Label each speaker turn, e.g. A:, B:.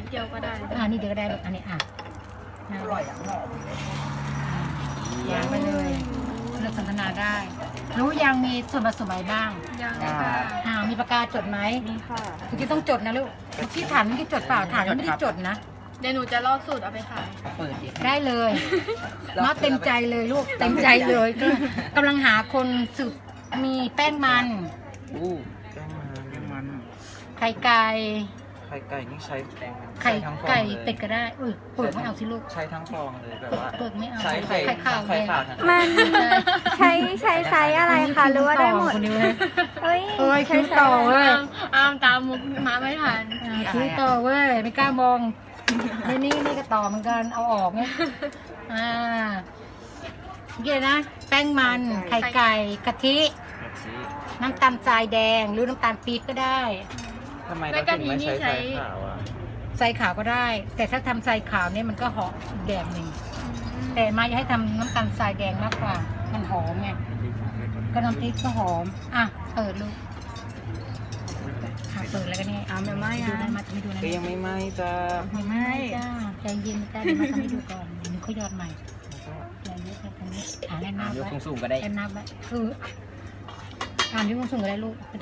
A: เดียวก็ได้
B: นี่เดียวก็ได้อันนี้
C: อร่อยอย่างหอม
B: วางไปเลยเลือกสนทนาได้ รู้ยังมีส่วนผสมอะไรบ้าง
A: ยังค่ะ
B: มีปากกาจดไหม
A: มีค่ะ
B: เมื่อกี้ต้องจดนะลูกที่ถามเมื่อกี้จดเปล่าถามไม่ได้จดนะ
A: เดี๋ยวหนูจะลอกสูตรเอาไปขาย
C: เปิดดิ
B: ได้เลยมาเต็มใจเลยลูกเต็มใจเลยกำลังหาคนสืบมีแป้งมัน
D: อู้แป้งมัน
B: ไข่ไก่
D: ไข่ไก่นี่ใช้
B: ไข่
D: ทั้งฟอง
B: ไก่
D: เลย
B: เป็ดก็ได้เปิดไม่เอาสิลูก
D: ใช้ทั้งฟองเลยแบบว่า
B: เปิดไม่เอา
D: ใช้ไข่
B: ไข่ขาว
D: ไข่ขาวทั้ง
E: มันใช้ไซส์อะไรคะหรือว่าได้หมด
B: คนนี้เลย
E: เฮ้ย
B: เฮ้ย
E: ใช้
B: คิ้ว
E: ไซ
B: ต่อ
E: ส์อะไร
B: เว้ย
A: อ้ามตามมุกมาไม่ทัน
B: คิ้วต่อเว้ยไม่กล้ามองนี่ก็ต่อเหมือนกันเอาออกเนี่ยเกี่ยนะแป้งมันไข่ไก่กะทิ
D: แบบนี้
B: น้ำตาลทรายแดงหรือน้ำตาลปี๊บก็ได้
D: ทำไมเราถึงไม่ใช้ไข่ขาวอ่ะ
B: ทรายขาวก็ได้ แต่ถ้าทำทรายขาวเนี่ยมันก็หอมอีกแบบหนึ่งแต่มาอยากให้ทำน้ำตาลทรายแดงมากกว่ามันหอมไงก็น้ำพริกก็หอมเปิดลูกเปิดแล้วก็นี่ไม่ไหม้ดูได้มาทำให้ดูนะ
D: ก็ยังไม่ไหม้จ้า
B: ไม่ไหม้จ้าใจเย็นจ้าเดี๋ยวมาทำให้ดูก่อนเดี๋ยวเขายอดใหม่ใจเย็นๆตรงนี้แน่นหน้าย
C: ก
B: ไว้
C: สูงๆก็ได้
B: แน่นหน้าไว้คือยกสูงก็ได้ลูก